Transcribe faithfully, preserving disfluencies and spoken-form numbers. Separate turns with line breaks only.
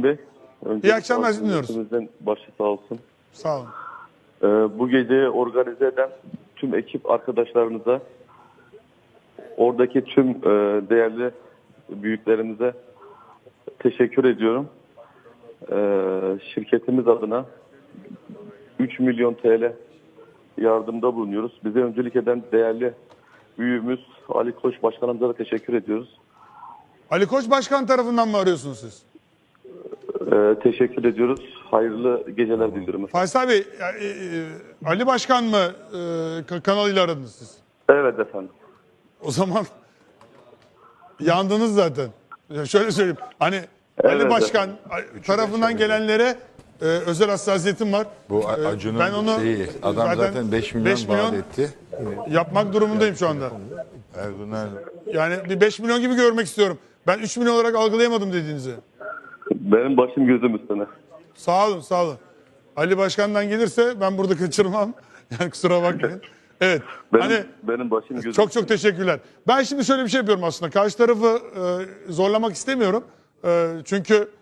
Metin Bey. Önce
İyi akşamlar, dinliyoruz.
hepimizin başı sağ olsun.
Sağ olun.
Ee, bu geceyi organize eden tüm ekip arkadaşlarınıza, oradaki tüm e, değerli büyüklerimize teşekkür ediyorum. Ee, şirketimiz adına üç milyon T L yardımda bulunuyoruz. Bize öncülük eden değerli büyüğümüz Ali Koç Başkanımıza da teşekkür ediyoruz.
Ali Koç Başkan tarafından mı arıyorsunuz siz?
Ee, teşekkür ediyoruz. Hayırlı geceler diliyorum.
Faysal Bey, e, e, Ali Başkan mı e, kanalıyla aradınız siz?
Evet efendim.
O zaman yandınız zaten. Şöyle söyleyeyim. Hani Ali
Evet,
Başkan tarafından gelenlere e, özel hassasiyetim var.
Bu
E,
Acun'un
ben onu
şeyi, adam zaten beş milyon,
beş milyon
vaat etti.
yapmak durumundayım şu anda.
Ergun nerede?
Yani bir beş milyon gibi görmek istiyorum. Ben üç milyon olarak algılayamadım dediğinizi.
Benim başım gözüm üstüne.
Sağ olun, sağ olun. Ali Başkan'dan gelirse ben burada kaçırmam. Yani kusura bakmayın. Evet.
Benim,
hani
benim başım gözüm
çok çok teşekkürler. Ben şimdi şöyle bir şey yapıyorum aslında. Karşı tarafı e, zorlamak istemiyorum. E, çünkü